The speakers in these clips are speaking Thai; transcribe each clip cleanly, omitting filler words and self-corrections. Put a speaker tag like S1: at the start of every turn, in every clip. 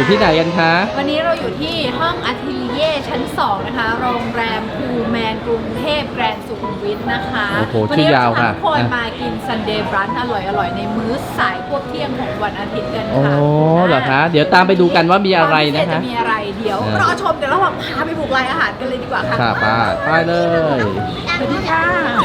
S1: ที่ไหนกันคะ
S2: วันนี้เราอยู่ที่ห้องอัทลิเย่ชั้น 2 นะคะโรงแรมพูแมนกรุงเทพแกรนด์สุขุมวิทนะคะ
S1: โอ้โหชื่อยาวค่ะ
S2: วันนี้เราจะพาทุกคนมากินซันเดย์บรันช์อร่อยๆในมื้อสายพวกเที่ยงของวันอาทิตย์กันค่ะ
S1: โอ้เหรอคะเดี๋ยวตามไปดูกันว่ามีอะไรนะคะ
S2: จะมีอะไรเดี๋ยวรอชมเดี๋ยวเราพาไปบุกรายอาหารกันเลยดีกว่าค่ะ
S1: ค่ะไปเลย
S2: สวัสดีค่ะ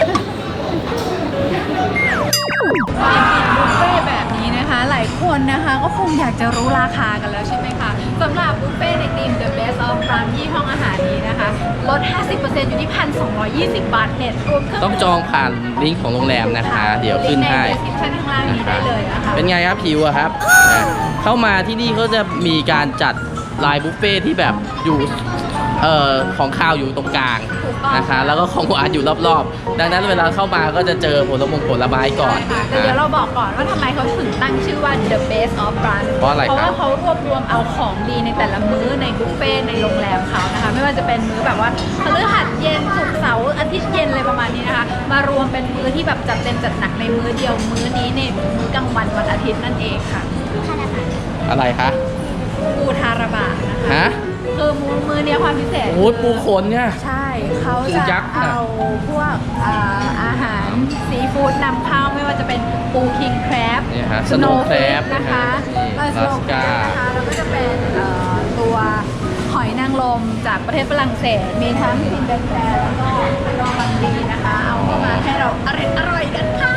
S2: บุฟเฟ่แบบนี้นะคะหลายคนนะคะก็คงอยากจะรู้ราคากันแล้วใช่ไหมคะสำหรับบุฟเฟ่ในทีม The Best of Brunch ที่ห้องอาหารนี้นะคะลด 50% อยู่ที่ 1,220 บาทเน็ตรวมเครื่อง
S1: ต้องจองผ่านลิงก์ของโรงแรมนะคะ เดี๋ยวขึ้นให้
S2: ใน description ข้างล่างนี้ได้เลยนะคะ
S1: เป็นไงครับผิวอะครับเข้ามาที่นี่เขาจะมีการจัดลายบุฟเฟ่ที่แบบอยู่ของข้าวอยู่ตรงกลางนะคะแล้วก็ของหวานอยู่รอบๆดังนั้นเวลาเข้ามาก็จะเจอผลไม้ก่อน
S2: แต่เดี๋ยวเราบอกก่อนว่าทำไมเขาถึงตั้งชื่อว่า The Best of Brunch
S1: เพราะอะไรครับ
S2: เพราะว่าเขารวบรวมเอาของดีในแต่ละมื้อในบุฟเฟ่ในโรงแรมเขานะคะไม่ว่าจะเป็นมื้อแบบว่าพฤหัสเย็นศุกร์เสาร์อาทิตย์เย็นอะไรประมาณนี้นะคะมารวมเป็นมื้อที่แบบจัดเต็มจัดหนักในมื้อเดียวมื้อนี้ในมื้อกลางวันวันอาทิตย์นั่นเองค่ะ
S1: อะไรคะ
S2: ปูทาราบะนะคะ
S1: ฮะ
S2: คือมื้อเนี้ยความพิเศษ
S1: โอ้ยปูขนเนี่ย
S2: ใช่เขา
S1: ปู
S2: จะ
S1: ยักษ์น่ะ
S2: เอาพวกอาหารซีฟู้ดนำเข้าไม่ว่าจะเป็นปูคิงแครบ
S1: เนี่ยฮะ Snow Crab
S2: นะคะ
S1: นี่
S2: สโนว์แครบ
S1: Alaska
S2: นะคะแล้วก็จะเป็นตัวหอยนางรมจากประเทศฝรั่งเศส มีทั้งซินเดอเรลแล้วก็ดองบังดีนะคะ เอาเข้ามาให้เราอร่อยกันค่ะ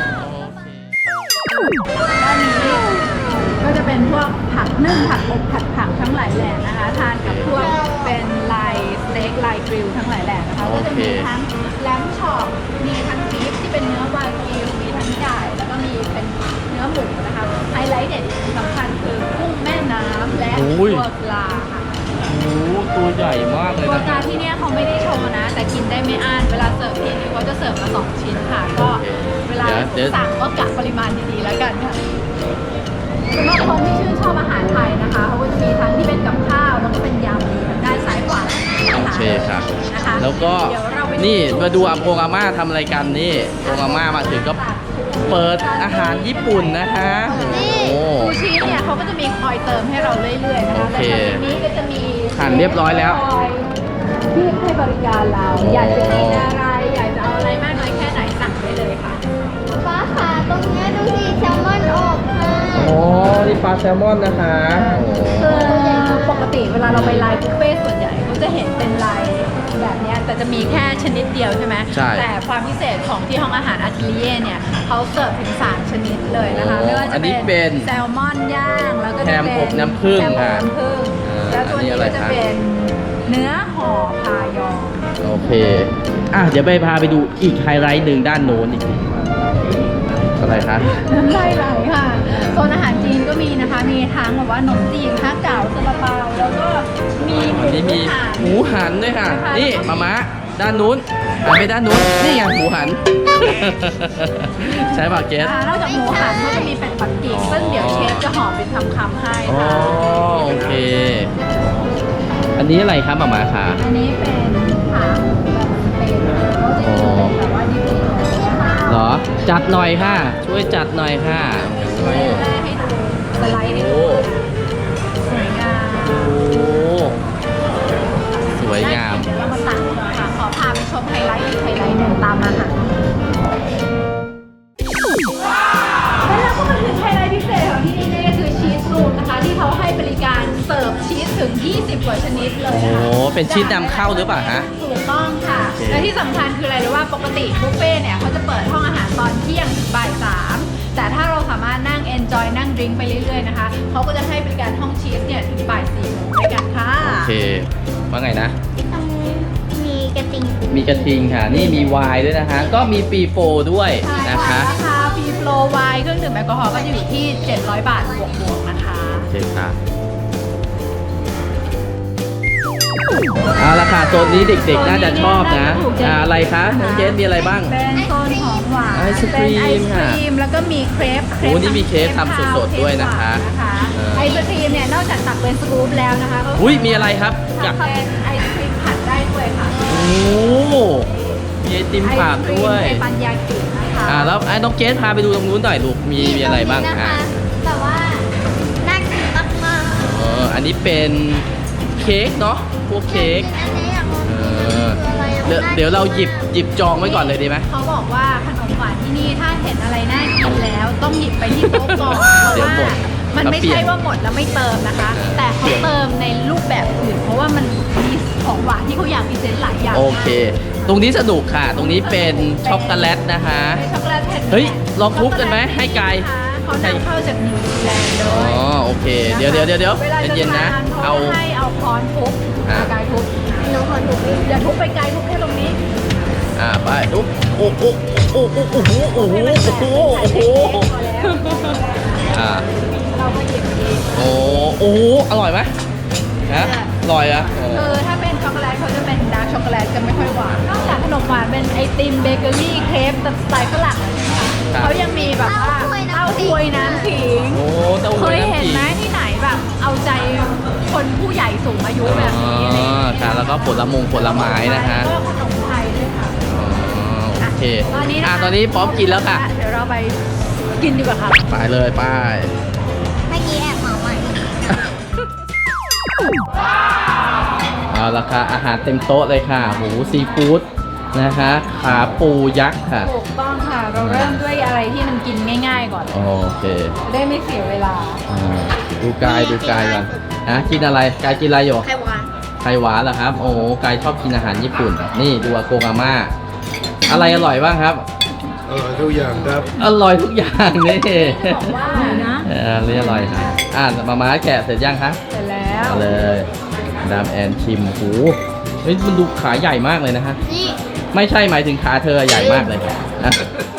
S2: ด้านนี้ก็จะเป็นพวกผักนึ่งผักอบผัดผักทั้งหลายแหล่นะคะ ทานกับพวกเป็นลายสเต็กลายกริลทั้งหลายแหล่นะคะก็จะมีทั้งแลมช็อปมีทั้งบีฟที่เป็นเนื้อวากิวมีทั้งไก่แล้วก็มีเป็นเนื้อหมูนะคะไฮไลท์เด็ดสำคัญคือกุ้งแม่น้ำและตัวปลาค่ะ
S1: โอ้โหตัวใหญ่มากเลย
S2: ตัว
S1: นะ
S2: ปลาที่เนี่ยเขาไม่ได้โชว์นะ แต่กินได้ไม่อั้นเวลาเสิร์ฟทีนึงเขาจะเสิร์ฟมา2 ชิ้นค่ะ ก็เวลาสั่งก็กะปริมาณดีๆแล้วกันค่ะสำหรับคนที่ชื่นชอบอาหารไทยนะคะเขาก็จะมีทั้งที่เป็นกับข้าวแล้วก็เป็นยำอยู่ทางด้านซ้ายขวา
S1: โอเคครับ
S2: นะคะ
S1: แล้วก็
S2: เดี๋ยวเราไป
S1: นี่มาดูอาม่าทำอะไรกันนี่อาม่ามาถึงก็เปิดอาหารญี่ปุ่นนะคะโอ้
S2: ซูชิเนี่ยเขาก็จะมีคอยเติมให้เราเรื่อยๆนะคะ
S1: โอเค
S2: แต่ทางนี้ก็จะมี
S1: หั่นเรียบร้อยแล้ว
S2: คอยที่ให้บริการเรา อยากจะกินอะไรอยากจะเอาอะไรมากน้อยแค่ไหนสั่งได้เลยค่ะ
S3: ฟ้าค่ะตรงเนี้ยดูสิแซลมอนอบค่ะ
S1: โอ้นี่ปลาแซลมอนนะคะโอ้
S2: คือปกติเวลาเราไปไลน์บุฟเฟ่ต์ส่วนใหญ่เขาจะเห็นเป็นไลน์แบบเนี้ยแต่จะมีแค่ชนิดเดียวใช่ไหม
S1: ใช่
S2: แต่ความพิเศษของที่ห้องอาหารอัทลิเย่เนี่ยเขาเสิร์ฟถึง3 ชนิดเลยนะคะไม่ว่า
S1: อั
S2: จะ
S1: นนี้
S2: เป็
S1: เป็น
S2: แซลมอนย่างแล้วก็จะ
S1: แฮม
S2: เป็น
S1: อบน้ำผึ้ง
S2: แฮมอบ
S1: ค่ะ
S2: น้ำผึ้งแล้วตัวนี้
S1: อันนี้อะไร
S2: ก็จะ
S1: คะ
S2: เป็นเนื้อห่อพายอง
S1: โอเคเดี๋ยวพาไปดูอีกไฮไลท์หนึ่งด้านโน้นอีกทีอะไรคะ
S2: น้ำลายไหลค่ะโซนอาหารจีนก็มีนะคะ มีทั้งแบบว่าขนมจีนฮะเก๋าซาลาเปาแล้วก็มีหมู
S1: อันนี้มี
S2: หัน
S1: หมูหันด้วยค่ะ
S2: นะคะ
S1: นี่มาด้านนู้นหันไปด้านนู้นนี่ไงหมูหัน ใช่ป่ะเกส
S2: นอกจากหมูหันเขาจะมีเป็ดปักกิ่งซึ่งเดี๋ยวเชฟจะห่อเป็นคำๆให้
S1: อ๋อ
S2: ค่ะ
S1: โอเค อันนี้อะไรครับมาคะ
S2: อันนี้เป็นขาหมูแบบสเต็กเขาจะเป็นแบบว่าดิบๆแบบนี้ค่ะ
S1: เหรอจัดหน่อยค่ะ ช่วยจัดหน่อยค่ะโอ้
S2: แรกให้ดูสไลด์ให้
S1: โห
S2: ดูสวยงาม
S1: สวยงาม
S2: เดี๋ยวเรามาตักค่ะ ขอพาไปชมไฮไลท์อีกไฮไลท์หนึ่งตามมาค่ะแล้วเราก็มาถึงไฮไลท์พิเศษของที่นี่ก็คือชีสรูมนะคะ ที่เขาให้บริการเสิร์ฟชีสถึง 20 กว่าชนิดเลย
S1: โอ้
S2: นะคะ
S1: เป็นชีสนำเข้าหรือเปล่าฮะ
S2: ถูกต้องค่ะ
S1: โอเค
S2: และที่สำคัญคืออะไรรู้ว่าปกติบุฟเฟ่ต์เนี่ยเขาจะเปิดห้องอาหารตอนเที่ยงถึงบ่าย 3แต่ถ้าเราสามารถนั่ง enjoy นั่งดริงก์ไปเรื่อยๆนะคะเขาก็จะให้บริการห้องชีสเนี่ยถึงบ่าย 4 โมงด้วยกันค่ะ
S1: โอเค ว่าไงนะ
S3: ตรงนี้มีกระติง
S1: มีกระทิงค่ะ นี่มีไวน์ด้วยนะคะ ก็มีฟรีโฟด้วย
S2: ใช่
S1: นะ
S2: ค่ะ
S1: คะ
S2: ราคาฟรีโฟลว์ไวน์เครื่องดื่มแอลกอฮอล์ก็จะอยู่ที่ 700 บาทบวกๆนะคะ
S1: โอเคค่ะเอาละค่ะโซนนี้เด็กๆน่าจะชอบนะอะไรคะน้องเจนมีอะไรบ้าง
S2: เป็นโซนของหวาน
S1: ไอศกรีม
S2: เป็นไอศ
S1: ค่ะ
S2: กรีมแล้วก็มีเครป
S1: โอ้นี่มีเครปทำสดๆด้วยนะคะ
S2: ไอศกรีมเนี่ยนอกจากตักเป็นสกู๊ปแล้วนะคะก็
S1: อุ้ยมีอะไรครับกับ
S2: ทำเป็นไอศกรีมผัดได้ด้วยค่ะ
S1: โอ้มีไอติมผ่านด้วย
S2: ไอศกรีมเทปันยากินะคะ
S1: แล้วไอ้น้องเจนพาไปดูตรงนู้นหน่อยลูกมีอะไรบ้าง
S3: นะคะ
S1: อ่ะ
S3: แต่ว่าน่ากินมาก
S1: ไออันนี้เป็นเค้กเนาะพวกเค้ก
S3: อันนี้อยากลอง
S1: เออเดี๋ยวเราหยิบจองไว้ก่อนเลยดีไหม
S2: เขาบอกว่าขนมหวานที่นี่ถ้าเห็นอะไรน่ากินแล้วต้องหยิบไปที่โต๊ะก่อนเพ
S1: เดี๋ยว
S2: ราะ
S1: หม
S2: ว่า
S1: ด
S2: มันไม่ใช่ว่าหมดแล้วไม่เติมนะคะ แต่เขาเติมในรูปแบบอื่นเพราะว่ามันมีของหวานที่เขาอยากพรีเซนต์หลายอย่าง
S1: โอเค ตรงนี้สนุกค่ะ ตรงนี้เป็นช็อกโกแลตนะคะ
S2: เป็นช็อกโกแลตแผ่น
S1: เฮ้ยลองทุบกันไหมให้ไกล
S2: เขานำเข้าจากนิวซีแลนด์เล
S1: อ๋อย โอเค เดี๋ยว
S2: เวลาจะ
S1: เย็นๆนะ
S2: ทาน
S1: เอา
S2: เขาให้เอาค้อนทุบ
S1: อ่า
S2: กายทุบ
S3: หนูขอถูก
S2: อย่าทุบไปไกลทุบแค่ตรงนี้
S1: ไปทุบโอ้โหโอ้โหโอ้โหโอ้โหโอ้โหโอ้โหอ่า
S2: เราก็หยิบเอง
S1: โอ้โอ้อร่อยไหมฮะอร่อยอ่ะโอ้
S2: คือถ้าเป็นช็อกโกแลตเขาจะเป็นดาร์กช็อกโกแลตจะไม่ค่อยหวาน นอกจากขนมหวานเป็นไอติมเบเกอรี่เค้กสไตล์ฝรั่งเขายังมีแบบว่าเต้าหวยน้ำขิง
S1: โอ้เต้า
S2: เค
S1: หู้
S2: ย
S1: น้ำ
S2: เห็น
S1: ขิง
S2: ไหมที่ไหนแบบเอาใจคนผู้ใหญ่สูงอายุแบบนี้อะไรอย่างเงี้ย
S1: ค่ะแล้วก็ผลไม้นะฮะ
S2: ก็ขนมไทยด้วยค่ะ
S1: อ๋อโอเค
S2: ตอนนี้นะคะ
S1: ตอนนี้พร้อมกินแล้วค่ะ
S2: เดี๋ยวเราไปกินดีกว่าค่ะ
S1: ไปเลยไป
S3: เมื่อกี้แอบเหมาใหม่
S1: เอาละค่ะอาหารเต็มโต๊ะเลยค่ะหมูซีฟู้ดนะคะขาปูยักษ์ค่ะ
S2: ถูกต้องค่ะ เราเริ่มด้วยอะไรที่มันกินง่ายๆก่อน
S1: โอเค
S2: จะได้ไม่เสียเวลา
S1: อ่าดูกายก่อนฮะกินอะไรกายกินอะไรอยู่
S3: ไข่หวาน
S1: ไข่หวานเหรอครับ โอ้โหกายชอบกินอาหารญี่ปุ่น นี่ดูอาโกงอาม่าอะไรอร่อยบ้างครับ
S4: ทุกอย่างครับ
S1: อร่อยทุกอย่างนี่
S2: บอกว่านะ
S1: เรียอร่อยค่ะมาม่าแกะเสร็จยังคะ
S2: เสร็จแล้ว
S1: เอาเลยดามแอนชิมหูเฮ้ยมันดูขาใหญ่มากเลยนะฮะ
S3: นี่
S1: ไม่ใช่หมายถึงขาเธอใหญ่มากเลยนะ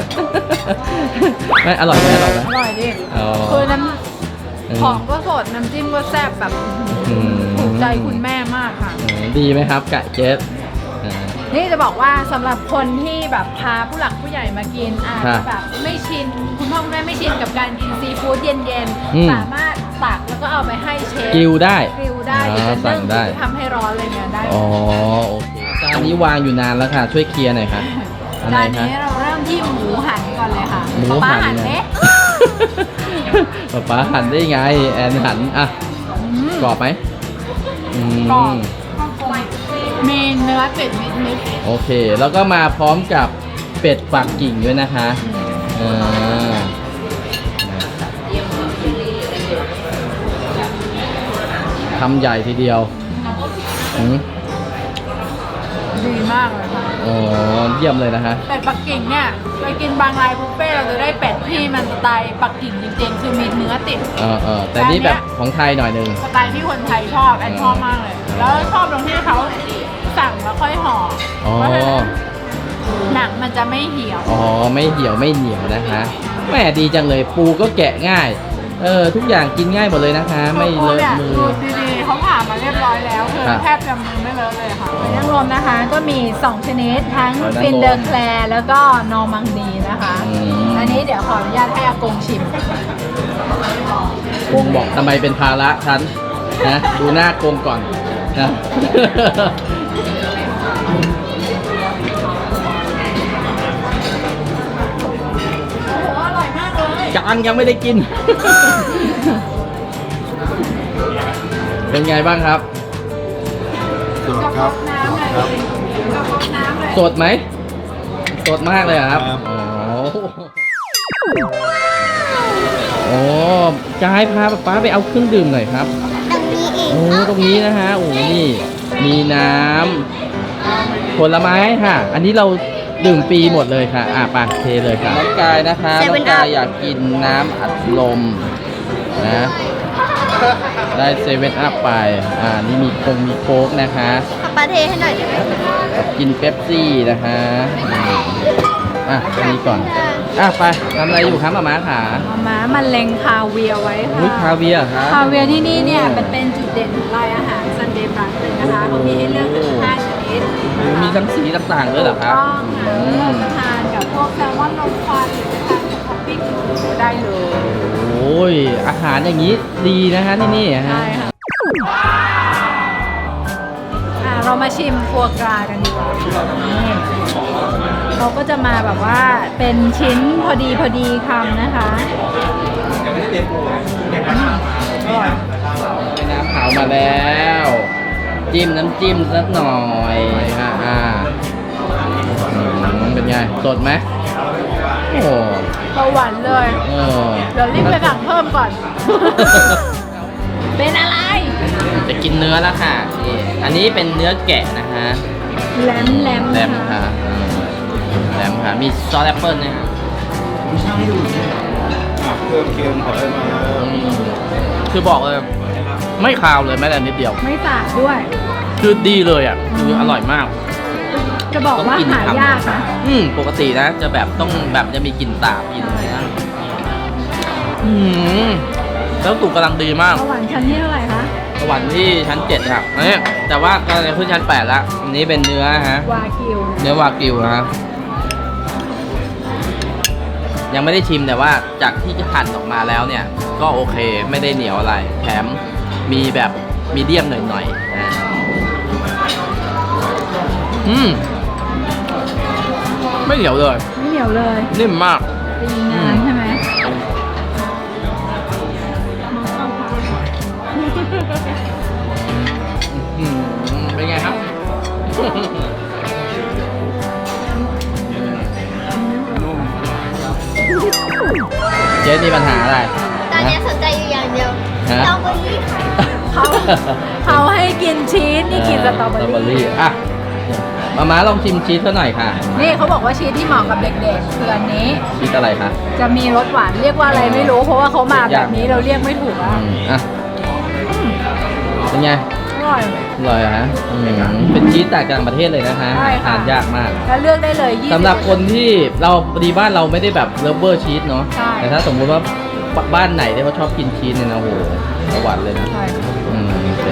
S1: ไม่อร่อยไหมอร่อยไหม
S2: อร่อยดิ
S1: อ๋อ
S2: คือน้ำของก็สดน้ำจิ้มก็แซ่บแบบ
S1: อืม
S2: ถูกใจคุณแม่มากค่ะ
S1: ดีไหมครับกะเจสอ่า
S2: นี่จะบอกว่าสำหรับคนที่แบบพาผู้หลักผู้ใหญ่มากินอาจ
S1: ครั
S2: จะ
S1: บ
S2: แบบไม่ชินคุณพ่อคุณแม่ไม่ชินกับการกินซีฟู้ดเย็น
S1: อืม
S2: ๆสามารถตักแล้วก็เอาไปให้เชฟ
S1: กิวได้
S2: กริลได้
S1: อ๋อ
S2: หรือจะ
S1: สั่
S2: นึ่
S1: ง
S2: ง
S1: ได้
S2: หรือทำให้ร้อนอะไรเงี้ยได้
S1: อ๋อโอเคจานนี้วางอยู่นานแล้วค่ะ ช่วยเคลียร์หน่อยค่ะอะไร
S2: จาน
S1: คะ
S2: นี้เราเริ่มที่หมูหันก่อนเลยค่ะ
S1: หมู
S2: ป๊า
S1: หัน
S2: หันเนี้ย
S1: ป๊าหันได้ไงแอนหันอ่ะกรอบไหมอืม
S2: กรอบมีเนื้อติดนิด
S1: โอเค แล้วก็มาพร้อมกับเป็ดปักกิ่งด้วยนะคะทำใหญ่ทีเดียวอืม
S2: ๆดีมากเลยค่ะ
S1: อ๋อเยี่ยมเลยนะคะ
S2: เป็ดปักกิ่งเนี่ยไปกินบางรายบุฟเฟ่ต์เราจะได้เป็ดที่มันสไตล์ปักกิ่งจริงๆ คือมีเนื้อติด
S1: แต่นี่แบบของไทยหน่อยหนึ่ง
S2: สไตล์ที่คนไทยชอบแอนชอบมากเลย แล้วชอบตรงที่เขาสั่งแล้วค่อยห่ออ
S1: อ๋อ
S2: เพราะฉะนั้นหนังมันจะไม่เหี่ยว
S1: อ๋อไม่เหี่ยวไม่เหนียวนะคะแหมดีจังเลยปูก็แกะง่าย ทุกอย่างกินง่ายหมดเลยนะคะ ไม่เลอะมือ
S2: ดูดีๆเขาผ่ามาเรียบร้อยแล้วคือ
S1: ครับ
S2: แทบจะมือไม่เลอะเลยค่ะหอยนางรมนะคะก็มี 2 ชนิดทั้ง
S1: หอยนางรม
S2: ฟินเดอร์แคลร์แล้วก็นอร์มังดีนะคะ
S1: อืม
S2: อันนี้เดี๋ยวขออนุญาตให้อากงชิม
S1: กงบอกทำไมเป็นภาระฉันนะดูหน้ากงก่อนนะ
S2: โอ้โหอร่อยมากเลย
S1: ยังไม่ได้กิน เป็นไงบ้างครับ
S4: สดครับ
S2: น้ำเลย
S4: ครับ
S2: กระบอกน้ำเลย
S1: สดไหมสดมากเลยเหรอครับ
S4: ครับ
S1: โอ้กายพาป๊าไปเอาเครื่องดื่มหน่อยครับ
S3: ตรงนี้เอง
S1: โอ้ตรงนี้นะฮะโอ้นี่ มีน้ำผลไม้ค่ะ อันนี้เราดื่มฟรีหมดเลยค่ะปากเทเลยค่ะน้องกายนะคะน้องกายอยากกินน้ำอัดลมนะได้เซเว่นอัพไปนี่มีโค้กนะคะ
S3: ขับปลาเทให้หน่อยได้ไหม
S1: กินเป๊ปซี่นะคะอันนี้ก่อนไปทำอะไรอยู่ครับมาขา
S2: มันเล็งคาเวียร์ไว้ค่ะ
S1: อุ้ยคาเวียร์ครับ
S2: คาเวียร์ที่นี่เนี่ยมันเป็นจุดเด่นของรายอาหารซันเดย์บรันเลยนะคะเขามีให้เลือกถึง5ชนิด
S1: มีทั้งสีต่างๆด้วยเหรอครับ
S2: ต้องค่ะจะทานกับพวกแซลมอนลมควันหรือจะทานกับท็อปปิ้งได้เลย
S1: โอ้ยอาหารอย่างนี้ดีนะฮะที่นี่ฮะ
S2: ใช่ค่ะเรามาชิมฟัวกรากันดีกว่านี่เขาก็จะมาแบบว่าเป็นชิ้นพอดีคำนะคะอร่อย
S1: น้ำเผามาแล้ว จิ้มน้ำจิ้มสักหน่อยเป็นไงสดไหมโอ้
S2: เบาหวานเลย
S1: เออ
S2: เดี๋ยวรีบไปสั่งเพิ่มก่อน เป็นอะไร
S1: จะกินเนื้อแล้วค่ะนี่อันนี้เป็นเนื้อแกะนะฮะ
S2: แหลม
S1: แรมค่ะแรมค่ะมีซอสแอปเปิ้ลนะฮะ
S4: เพิ่มเค็มขอได้ไหม
S1: คือบอกเลยไม่คาวเลยแม้แต่นิดเดียว
S2: ไม่สาดด้วย
S1: คือดีเลยอ่ะคืออร่อยมาก
S2: จะบอกว่าหายากนะ
S1: ปกตินะจะแบบต้องแบบจะมีกลิ่นสาบกลิ่นอะไรนะแล้วตุกกำลังดีมาก
S2: เบาหวานชั้นที่เท่าไหร่คะ
S1: สวรรค์ที่ชั้น7ครับอันนี้แต่ว่ากำลังจะขึ้นชั้น8แล้วอันนี้เป็นเนื้อฮะ
S2: วากิว
S1: เนื้อวากิวนะฮะยังไม่ได้ชิมแต่ว่าจากที่หั่นออกมาแล้วเนี่ย ก็โอเคไม่ได้เหนียวอะไร แถมมีแบบมีเดียมหน่อยๆนะไม่เหนียวเลย
S2: ไม่เหนียวเลย
S1: นิ่มมาก
S2: ดีงานใช่ไหม
S1: เป็นไงครับ เจ๊มีปัญหาอะไร
S3: ตอนนี้สนใจอยู่อย่างเดียว
S1: ฮะ
S3: สตรอเบอรี่ค่ะ
S2: เขาให้กินชีสนี่กินสตรอเบอรี่
S1: อ่ะมาลองชิมชีสเขาหน่อยค่ะ
S2: นี่เขาบอกว่าชีสที่เหมาะกับเด็กๆคืออันนี้
S1: ชีสอะไรคะ
S2: จะมีรสหวานเรียกว่าอะไรไม่รู้ เพราะว่าเขามาแบบนี้เราเรียกไม่ถูกอ่ะ
S1: อ่ะเป็นไง
S2: อร่อย
S1: อร่อยเหรอฮะเป็นชีสจากต่างประเทศเลยนะคะ
S2: ใช่ค่ะ
S1: ทานยากมาก
S2: แล้วเลือกได้เลย20
S1: สำหรับคนที่เราพอดีบ้านเราไม่ได้แบบเลิฟเวอร์ชีสเนาะ
S2: ใช่
S1: แต่ถ้าสมมติว่าบ้านไหนที่เขาชอบกินชีสเนี่ยนะโหสวรรค์เลยนะ
S2: ใช่
S1: โอเค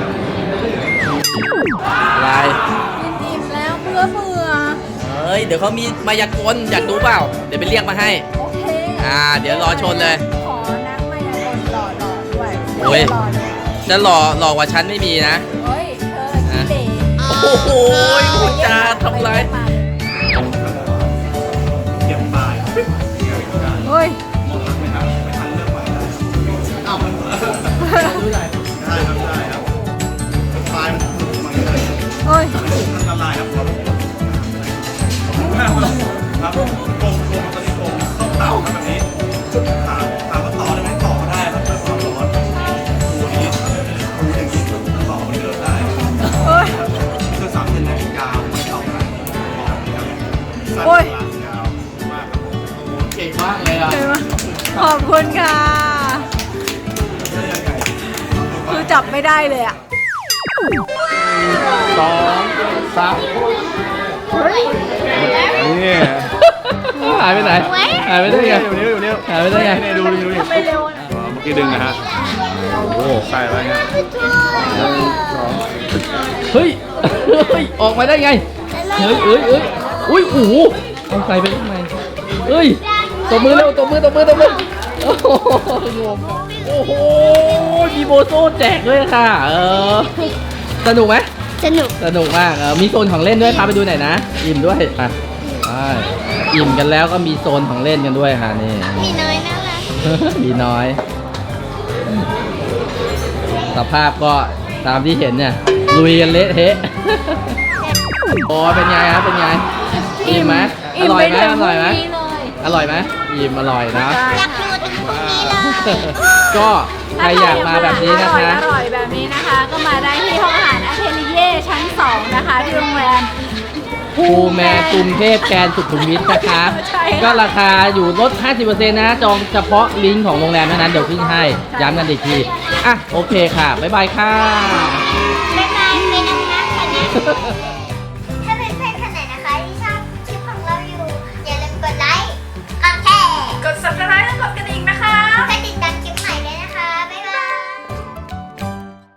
S1: อะไร
S2: กินอิ่มแล้วเบื่อ
S1: เฮ้ยเดี๋ยวเขามีมายากลอยากดูเปล่าเดี๋ยวไปเรียกมาให้
S2: โอเค
S1: เดี๋ยวรอชนเลย
S2: ขอนักมายากลหล่อๆด้วย
S1: โอ้ย
S2: รอเลย
S1: จะหล่อกว่าฉันไม่มีนะ
S2: เฮ้ยเธอขี้เหร่
S1: โอ้โหพูดจาทำไร
S4: เก็บปลาย
S2: เฮ้ย
S4: ได้ครับได้ครับปลายมันเลย
S2: เฮ้ย
S4: อันตรายครับครับโกงตอนนี้โกงต้องเต่าครับแบบนี้ถามว่าต่อได้ไหมต่อได้ครับเพื่อความร้อนดูนี้ดูอย่างนี้ต่อมันเดินได้
S2: เฮ้ย
S4: คือ3 เซนนะยาวไม่ต่อนะสั้น
S2: โอ้ย
S4: กลางยาวมากครับผม
S1: เก่งมากเลยอ่ะ
S2: เห็นไหมขอบคุณค่ะ คือจับไม่ได้เลยอ่ะ
S1: 2 3
S4: นี่
S1: หายไปไหนหายไปได้ไง
S4: อยู่นี่
S1: หายไปได้ไง
S4: ดูนี่
S2: ไม่เร็วนะ
S4: เมื่อกี้ดึงนะฮะโอ้ใส่อะไรเงี้ย
S1: เฮ้ยออกมาได้ไงเฮ้ยอุ้ยโอ้โหเอาใส่ไปทำไมเฮ้ยตบมือเร็วตบมือโอ้โหงงโอ้โหมีโบโซ่แจกด้วยค่ะสนุกไหม
S3: สนุก
S1: สนุกมากมีโซนของเล่นด้วยพาไปดูหน่อยนะอิ่มด้วยไปอิ่มกันแล้วก็มีโซนของเล่นกันด้วยค่ะนี่
S3: มีน้อยน่ารัก
S1: มีน้อย สภาพก็ตามที่เห็นเนี่ยลุยกันเละเทะ โอ้เป็นไงครับเป็นไงอิ่มไหมอร่อยไหมอร่อยไหมอร่อยไหมอิ่มอร่อยนะ
S3: อยากดูถึงพรุ่งนี้เลย
S1: ก็ใครอยากมาแบบนี้นะคะ
S2: อร่อยแบบนี้นะคะ ก็มาได้ที่ห้องอาหารอาเทลิเย่ชั้น 2 นะคะ ที่โรงแรม
S1: ภูแมนกรุงเทพแกรนด์สุขุมวิทนะคะ
S2: ใช่ค่ะ
S1: ก็ราคาอยู่ลด 50% นะจองเฉพาะลิงก์ของโรงแรมเท่านั้นเดี๋ยวขึ้นให้ย้ำกันอีกทีโอเคค่ะบ๊ายบายค่ะ
S3: บ๊ายบายไปนั่งๆกันนะ